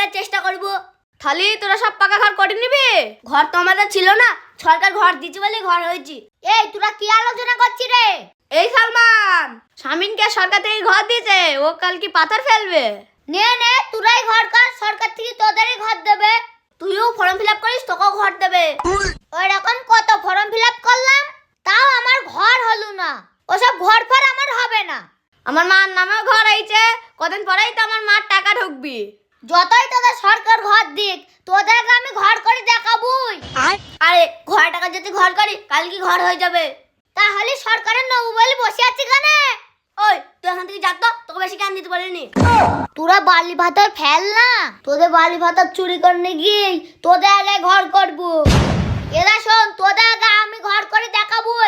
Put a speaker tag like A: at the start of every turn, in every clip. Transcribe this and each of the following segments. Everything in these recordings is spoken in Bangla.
A: করার চেষ্টা করব। তাহলে তোরা সব পাকা ঘর করে নিবি? ঘর তো আমাদের ছিল না, সরকার ঘর দিচ্ছে বলে ঘর হয়েছে। এই তোরা কি আলোচনা করছিস রে? এই সালমান, শামিনকে সরকার থেকে ঘর দিয়েছে, ও কাল কি পাথর ফেলবে। নে নে তোরাই ঘর কর, সরকার থেকে তোদেরই ঘর দেবে। তুইও ফর্ম ফিল আপ করিস, তোকেও ঘর দেবে। ওই রকম কত ফর্ম ফিল আপ করলাম, তাও আমার ঘর হলো না। ওসব ঘর ফর আমার হবে না। আমার মার নামেও ঘর আইছে, কদিন পরেই তো আমার মার টাকা ঢুকবি। যতই তোদের সরকার ঘর দিক, তোদেরকে আমি ঘর করে দেখাবই। আরে ঘর টাকা যদি ঘর করি, কাল কি ঘর হয়ে যাবে। তাহলে সরকারের নবু বলে বসে আছি কেন? ওই তুই এখান থেকে যা তো, তোকে বেশি জ্ঞান দিতে পারিনি। তোরা বালি ভাতার ফেল না, তোদের বালি ভাতার চুরি করতে গিয়ে তোদের আগে ঘর করবো। এরা শোন, তোদের আগে আমি ঘর করে দেখাবই।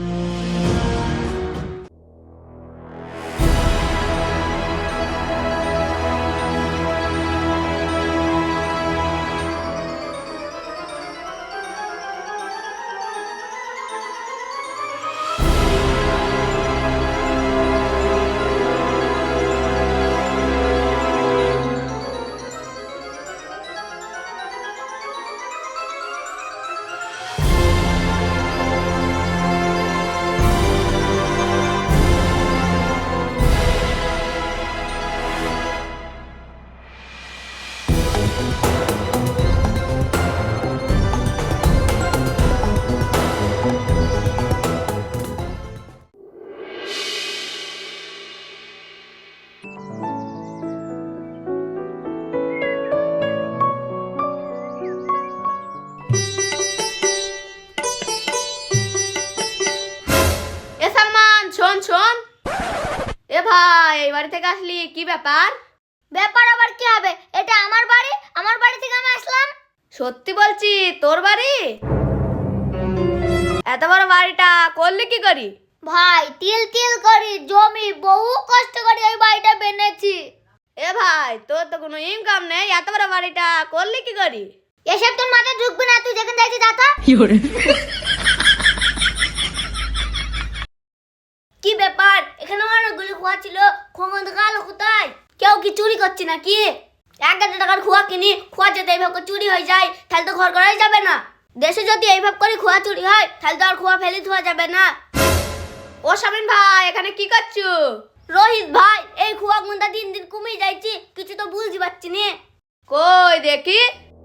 A: শোন শোন, এ ভাই, এই বাড়ি থেকে আসলি, কি ব্যাপার? ব্যাপার আবার কি হবে? এটা আমার বাড়ি, আমার বাড়ি থেকে আমি আসলাম। সত্যি বলছি, তোর বাড়ি? এত বড় বাড়িটা করলি কি করি? ভাই তিল তিল করি জমি, বহু কষ্ট করে এই বাড়িটা বেনেছি। এ ভাই, তোর তো কোনো ইনকাম নেই, এত বড় বাড়িটা করলি কি করি? এসব তোর মাথায় ঢুকবে না, তুই যেখানে যাইছিস যা তো। কি ব্যাপার? এখানে অনেকগুলো খোয়া ছিল, খোয়া গেল কোথায়? কেউ কি চুরি করছে নাকি? 1,000 টাকার খোয়া কিনি, খোয়া যদি এইভাবে চুরি হয়ে যায়, তাহলে তো ঘর করাই যাবে না। দেশে যদি এইভাবে করে খোয়া চুরি হয়, তাহলে তো আর খোয়া ফেলে ধোয়া যাবে না। ও শামিন ভাই, এখানে কি করছো? রোহিত ভাই, এই খোয়া গুন্ডা দিন দিন কমে যাচ্ছে, কিছু তো বুঝতে পারছি না। কই দেখি।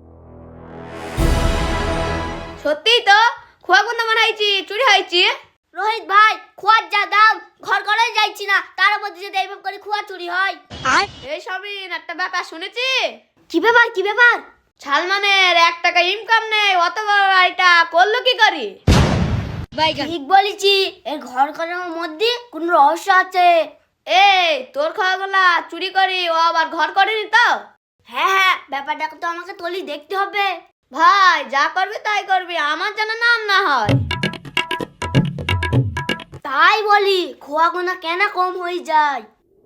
A: সত্যি তো খোয়া গুন্ডা মনে হয়েছে চুরি হয়েছে। রোহিত ভাই, খোয়ার যা দাম, ঘর করাই যাইছি না, তার মধ্যে যদি এইভাবে করে খোয়া চুরি হয়। এই শামিন, একটা ব্যাপার শুনেছি। কি ব্যাপার? কি ব্যাপার? সালমানের 1 টাকা ইনকাম নেই, অত বড় বাড়িটা করলো কি করি? ঠিক বলেছি, এই ঘর করার মধ্যে কোন রহস্য আছে। এই তোর খাওয়াগুলা চুরি করি, ও আবার ঘর করেনি তো? হ্যাঁ হ্যাঁ, ব্যাপারটা তো আমাকে তলি দেখতে হবে। ভাই যা করবি তাই করবি, আমার যেন নাম না হয়। তাই বলি, খোয়া গোনা কেন কম হয়ে যায়?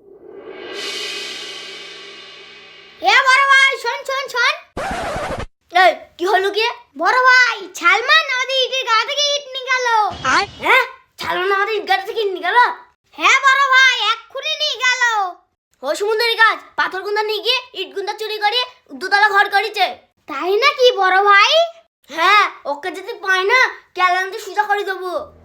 A: এ বড় ভাই, শোন শোন শোন। এই কি হলো কি? বড় ভাই, সালমান আমাদের ইটের গা থেকে ইট নিয়ে গেল। হ্যাঁ, সালমান আমাদের ইট গা থেকে নিয়ে গেল? হ্যাঁ বড় ভাই, এক্ষুনি নিয়ে গেল। ও সমুদ্রের কাজ, পাথর গুন্দা নিয়ে গিয়ে ইট গুন্দা চুরি করে 2 তলা ঘর করেছে। তাই নাকি বড় ভাই? হ্যাঁ, ওকে যদি পাই না, ক্যালেন্ডার সোজা করে দেবো।